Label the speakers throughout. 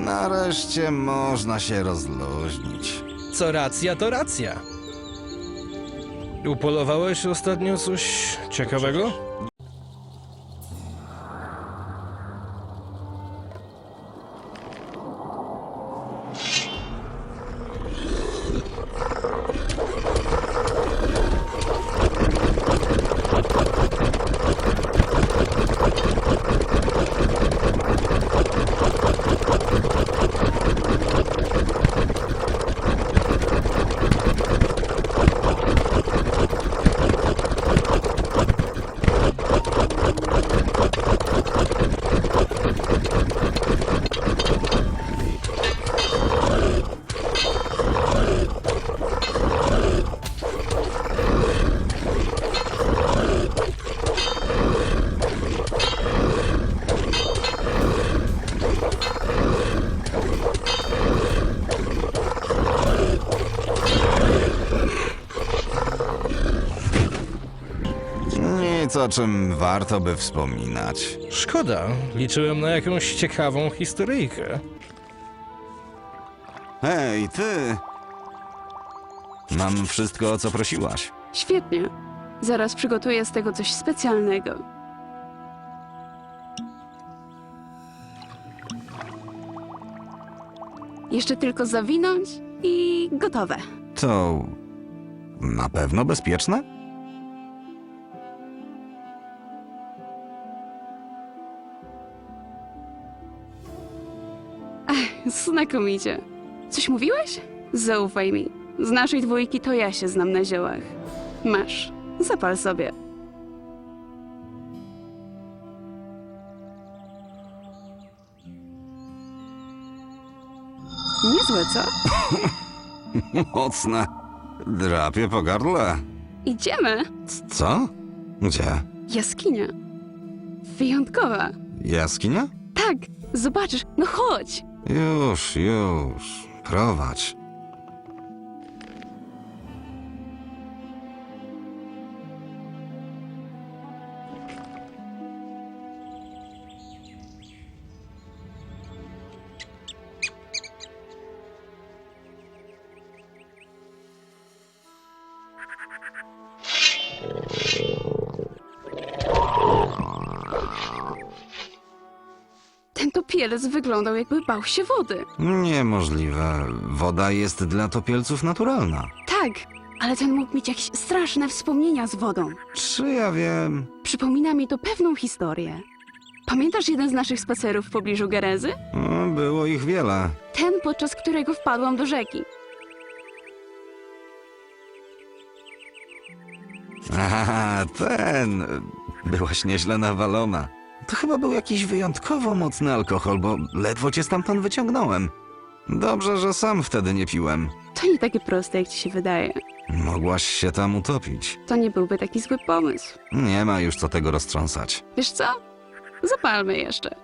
Speaker 1: Nareszcie można się rozluźnić.
Speaker 2: Co racja, to racja. Upolowałeś ostatnio coś ciekawego?
Speaker 1: Nic, o czym warto by wspominać.
Speaker 2: Szkoda, liczyłem na jakąś ciekawą historyjkę.
Speaker 1: Hej, ty! Mam wszystko, o co prosiłaś.
Speaker 3: Świetnie. Zaraz przygotuję z tego coś specjalnego. Jeszcze tylko zawinąć i gotowe.
Speaker 1: To na pewno bezpieczne?
Speaker 3: Znakomicie. Coś mówiłeś? Zaufaj mi. Z naszej dwójki to ja się znam na ziołach. Masz. Zapal sobie. Niezłe, co?
Speaker 1: Mocne. Drapie po gardle.
Speaker 3: Idziemy.
Speaker 1: Co? Gdzie?
Speaker 3: Jaskinia. Wyjątkowa.
Speaker 1: Jaskinia?
Speaker 3: Tak, zobaczysz. No chodź.
Speaker 1: Już. Prowadź.
Speaker 3: Ten topielec wyglądał, jakby bał się wody.
Speaker 1: Niemożliwe. Woda jest dla topielców naturalna.
Speaker 3: Tak, ale ten mógł mieć jakieś straszne wspomnienia z wodą.
Speaker 1: Czy ja wiem?
Speaker 3: Przypomina mi to pewną historię. Pamiętasz jeden z naszych spacerów w pobliżu Gerezy?
Speaker 1: Było ich wiele.
Speaker 3: Ten, podczas którego wpadłam do rzeki.
Speaker 1: Aha, ten. Byłaś nieźle nawalona. To chyba był jakiś wyjątkowo mocny alkohol, bo ledwo cię stamtąd wyciągnąłem. Dobrze, że sam wtedy nie piłem.
Speaker 3: To nie takie proste, jak ci się wydaje.
Speaker 1: Mogłaś się tam utopić.
Speaker 3: To nie byłby taki zły pomysł.
Speaker 1: Nie ma już co tego roztrząsać.
Speaker 3: Wiesz co? Zapalmy jeszcze.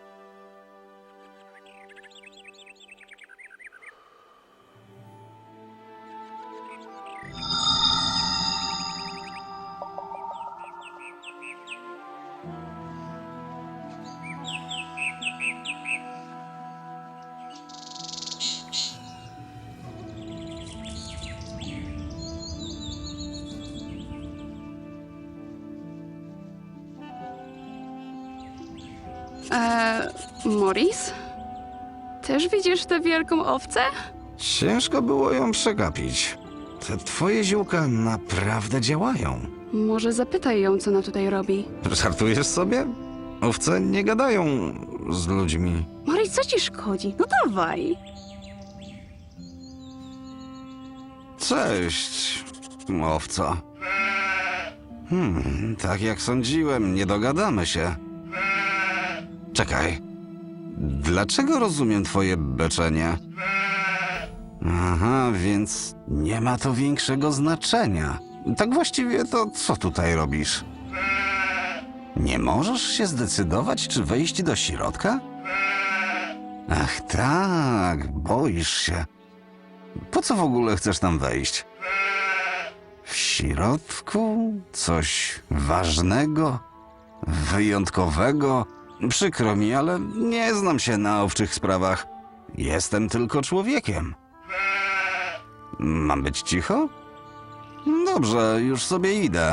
Speaker 3: Morris? Też widzisz tę wielką owcę?
Speaker 1: Ciężko było ją przegapić. Te twoje ziółka naprawdę działają.
Speaker 3: Może zapytaj ją, co ona tutaj robi.
Speaker 1: Żartujesz sobie? Owce nie gadają z ludźmi.
Speaker 3: Morris, co ci szkodzi? No dawaj.
Speaker 1: Cześć, owco. Tak jak sądziłem, nie dogadamy się. Czekaj. Dlaczego rozumiem twoje beczenie? Aha, więc nie ma to większego znaczenia. Tak właściwie to co tutaj robisz? Nie możesz się zdecydować, czy wejść do środka? Ach tak, boisz się. Po co w ogóle chcesz tam wejść? W środku coś ważnego, wyjątkowego? Przykro mi, ale nie znam się na owczych sprawach. Jestem tylko człowiekiem. Mam być cicho? Dobrze, już sobie idę.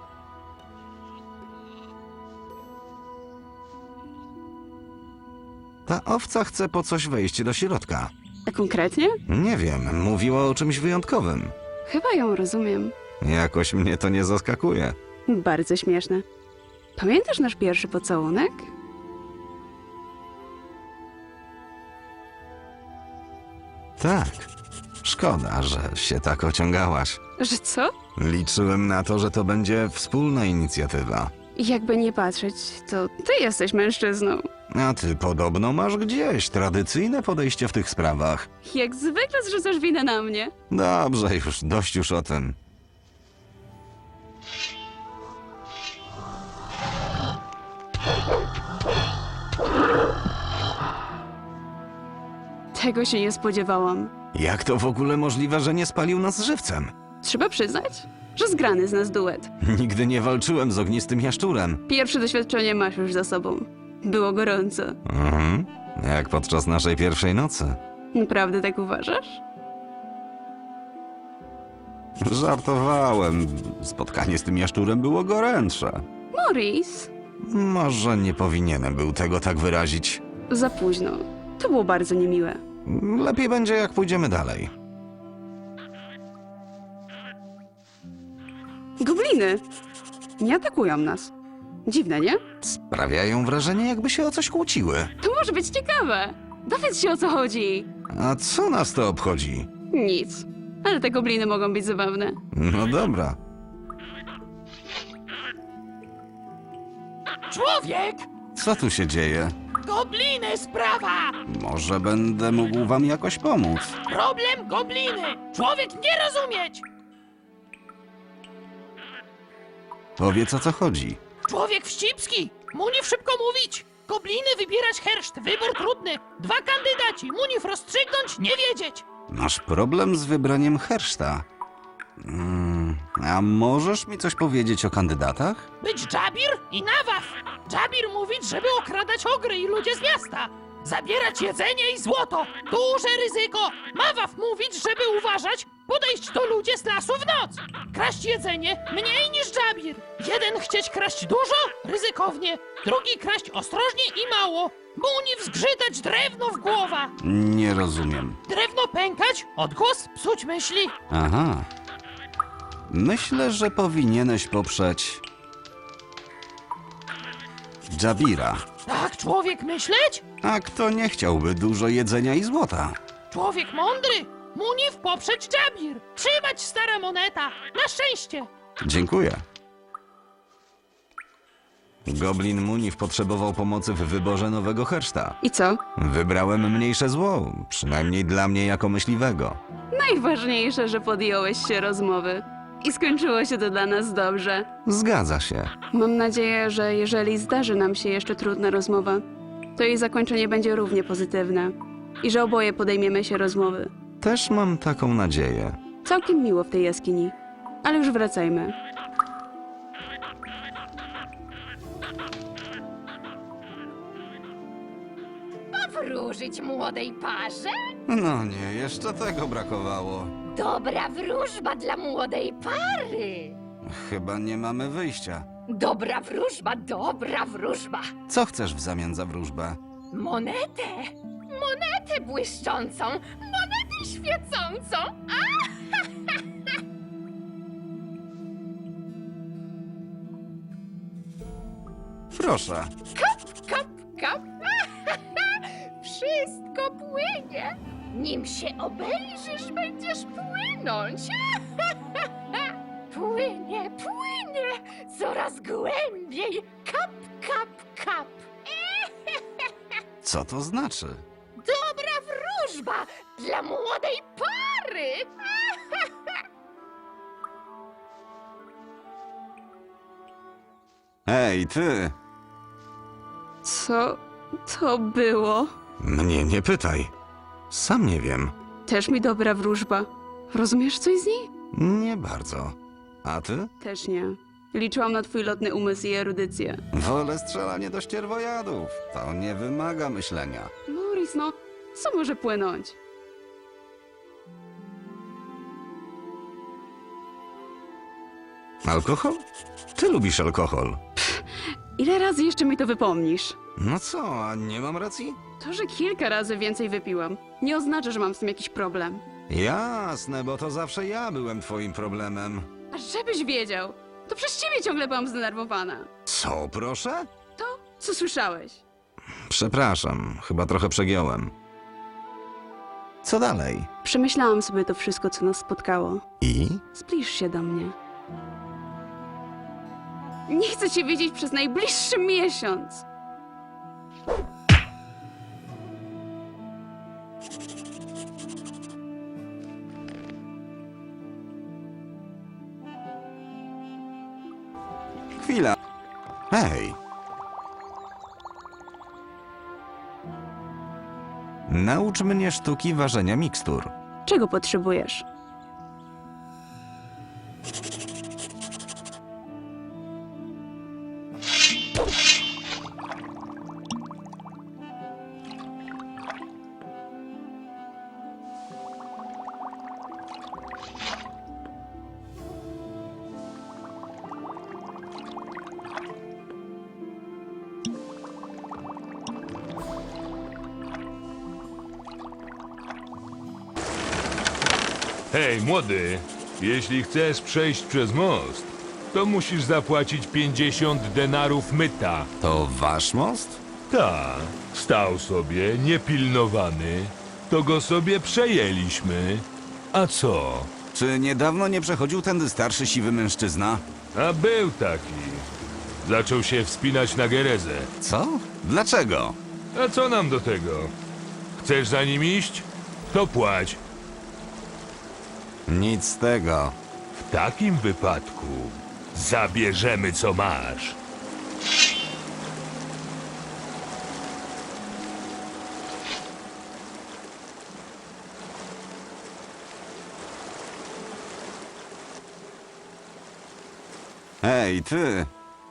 Speaker 1: Ta owca chce po coś wejść do środka.
Speaker 3: A konkretnie?
Speaker 1: Nie wiem, mówiła o czymś wyjątkowym.
Speaker 3: Chyba ją rozumiem.
Speaker 1: Jakoś mnie to nie zaskakuje.
Speaker 3: Bardzo śmieszne. Pamiętasz nasz pierwszy pocałunek?
Speaker 1: Tak. Szkoda, że się tak ociągałaś.
Speaker 3: Że co?
Speaker 1: Liczyłem na to, że to będzie wspólna inicjatywa.
Speaker 3: Jakby nie patrzeć, to ty jesteś mężczyzną.
Speaker 1: A ty podobno masz gdzieś tradycyjne podejście w tych sprawach.
Speaker 3: Jak zwykle zrzucasz winę na mnie.
Speaker 1: Dobrze, dość już o tym.
Speaker 3: Tego się nie spodziewałam.
Speaker 1: Jak to w ogóle możliwe, że nie spalił nas żywcem?
Speaker 3: Trzeba przyznać, że zgrany z nas duet.
Speaker 1: Nigdy nie walczyłem z ognistym jaszczurem.
Speaker 3: Pierwsze doświadczenie masz już za sobą. Było gorąco.
Speaker 1: Mhm. Jak podczas naszej pierwszej nocy.
Speaker 3: Naprawdę tak uważasz?
Speaker 1: Żartowałem. Spotkanie z tym jaszczurem było gorętsze.
Speaker 3: Maurice,
Speaker 1: Może nie powinienem był tego tak wyrazić.
Speaker 3: za późno. To było bardzo niemiłe.
Speaker 1: Lepiej będzie, jak pójdziemy dalej.
Speaker 3: Gobliny! Nie atakują nas. Dziwne, nie?
Speaker 1: Sprawiają wrażenie, jakby się o coś kłóciły.
Speaker 3: To może być ciekawe. Dowiedz się, o co chodzi.
Speaker 1: A co nas to obchodzi?
Speaker 3: Nic. Ale te gobliny mogą być zabawne.
Speaker 1: No dobra.
Speaker 4: Człowiek!
Speaker 1: Co tu się dzieje?
Speaker 4: Gobliny sprawa!
Speaker 1: Może będę mógł wam jakoś pomóc.
Speaker 4: Problem gobliny! Człowiek nie rozumieć!
Speaker 1: Powiedz, o co chodzi.
Speaker 4: Człowiek wścibski! Munif szybko mówić! Gobliny wybierać herszt, wybór trudny. 2 kandydaci, Munif rozstrzygnąć, nie wiedzieć.
Speaker 1: Masz problem z wybraniem herszta. A możesz mi coś powiedzieć o kandydatach?
Speaker 4: Być Dżabir i Nawaf. Dżabir mówić, żeby okradać ogry i ludzie z miasta. Zabierać jedzenie i złoto. Duże ryzyko. Nawaf mówić, żeby uważać, podejść do ludzi z lasu w noc. Kraść jedzenie mniej niż Dżabir. Jeden chcieć kraść dużo, ryzykownie. Drugi kraść ostrożnie i mało. Munif zgrzytać drewno w głowa.
Speaker 1: Nie rozumiem.
Speaker 4: Drewno pękać, odgłos psuć myśli.
Speaker 1: Aha. Myślę, że powinieneś poprzeć... Dżabira.
Speaker 4: Tak człowiek myśleć?
Speaker 1: A kto nie chciałby dużo jedzenia i złota?
Speaker 4: Człowiek mądry. Munif poprzeć Dżabir. Trzymać stara moneta. Na szczęście.
Speaker 1: Dziękuję. Goblin Munif potrzebował pomocy w wyborze nowego herszta.
Speaker 3: I co?
Speaker 1: Wybrałem mniejsze zło, przynajmniej dla mnie jako myśliwego.
Speaker 3: Najważniejsze, że podjąłeś się rozmowy. I skończyło się to dla nas dobrze.
Speaker 1: Zgadza się.
Speaker 3: Mam nadzieję, że jeżeli zdarzy nam się jeszcze trudna rozmowa, to jej zakończenie będzie równie pozytywne. I że oboje podejmiemy się rozmowy.
Speaker 1: Też mam taką nadzieję.
Speaker 3: Całkiem miło w tej jaskini. Ale już wracajmy.
Speaker 5: Wróżyć młodej parze?
Speaker 1: No nie, jeszcze tego brakowało.
Speaker 5: Dobra wróżba dla młodej pary.
Speaker 1: Chyba nie mamy wyjścia.
Speaker 5: Dobra wróżba, dobra wróżba.
Speaker 1: Co chcesz w zamian za wróżbę?
Speaker 5: Monetę, monetę błyszczącą, monetę świecącą. A!
Speaker 1: Proszę.
Speaker 5: Kap, kap, kap. Wszystko płynie. Nim się obejrzysz, będziesz płynąć. Płynie, płynie, coraz głębiej. Kap, kap, kap.
Speaker 1: Co to znaczy?
Speaker 5: Dobra wróżba dla młodej pary.
Speaker 1: Ej, ty!
Speaker 3: Co to było?
Speaker 1: Mnie nie pytaj. Sam nie wiem.
Speaker 3: Też mi dobra wróżba. Rozumiesz coś z niej?
Speaker 1: Nie bardzo. A ty?
Speaker 3: Też nie. Liczyłam na twój lotny umysł i erudycję.
Speaker 1: Wolę strzelanie do ścierwojadów. To nie wymaga myślenia.
Speaker 3: Maurice, no, Co może płynąć?
Speaker 1: Alkohol? Ty lubisz alkohol.
Speaker 3: Ile razy jeszcze mi to wypomnisz?
Speaker 1: No co, a nie mam racji?
Speaker 3: To, że kilka razy więcej wypiłam, nie oznacza, że mam z tym jakiś problem.
Speaker 1: Jasne, bo to zawsze ja byłem twoim problemem.
Speaker 3: A żebyś wiedział, to przez ciebie ciągle byłam zdenerwowana.
Speaker 1: Co, proszę?
Speaker 3: To, co słyszałeś?
Speaker 1: Przepraszam, chyba trochę przegiąłem. Co dalej?
Speaker 3: Przemyślałam sobie to wszystko, co nas spotkało.
Speaker 1: I?
Speaker 3: Zbliż się do mnie. Nie chcę cię widzieć przez najbliższy miesiąc.
Speaker 1: Chwila. Hej. Naucz mnie sztuki ważenia mikstur.
Speaker 3: Czego potrzebujesz?
Speaker 6: Hej, młody, jeśli chcesz przejść przez most, to musisz zapłacić 50 denarów myta.
Speaker 1: To wasz most?
Speaker 6: Ta, stał sobie, niepilnowany, to go sobie przejęliśmy. A co?
Speaker 1: Czy niedawno nie przechodził tędy starszy siwy mężczyzna?
Speaker 6: A był taki. Zaczął się wspinać na Gerezę.
Speaker 1: Co? Dlaczego?
Speaker 6: A co nam do tego? Chcesz za nim iść? To płać.
Speaker 1: Nic z tego.
Speaker 6: W takim wypadku zabierzemy co masz.
Speaker 1: Hej, ty!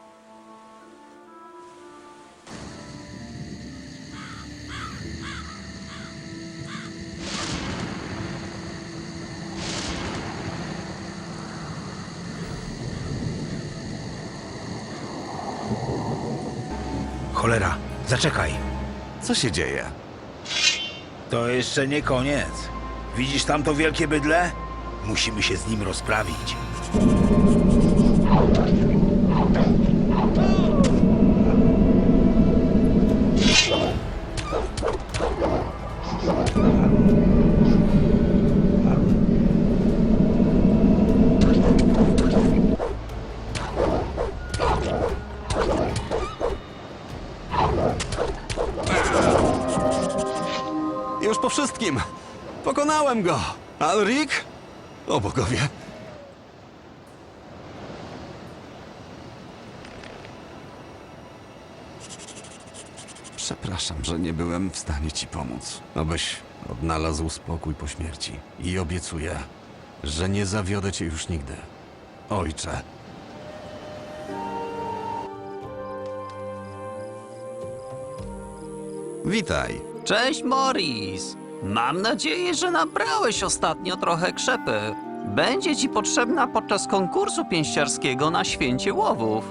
Speaker 7: Cholera, zaczekaj.
Speaker 1: Co się dzieje?
Speaker 7: To jeszcze nie koniec. Widzisz tamto wielkie bydlę? Musimy się z nim rozprawić.
Speaker 1: Już po wszystkim! Pokonałem go! Alrik? O bogowie! Przepraszam, że nie byłem w stanie ci pomóc. Abyś odnalazł spokój po śmierci. I obiecuję, że nie zawiodę cię już nigdy. Ojcze. Witaj.
Speaker 8: Cześć, Morris. Mam nadzieję, że nabrałeś ostatnio trochę krzepy. Będzie ci potrzebna podczas konkursu pięściarskiego na Święcie Łowów.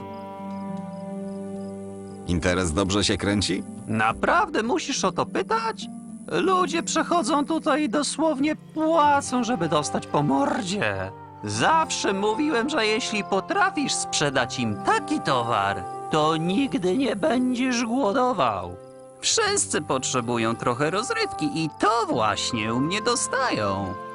Speaker 1: Interes dobrze się kręci?
Speaker 8: Naprawdę musisz o to pytać? Ludzie przechodzą tutaj i dosłownie płacą, żeby dostać po mordzie. Zawsze mówiłem, że jeśli potrafisz sprzedać im taki towar, to nigdy nie będziesz głodował. Wszyscy potrzebują trochę rozrywki i to właśnie u mnie dostają.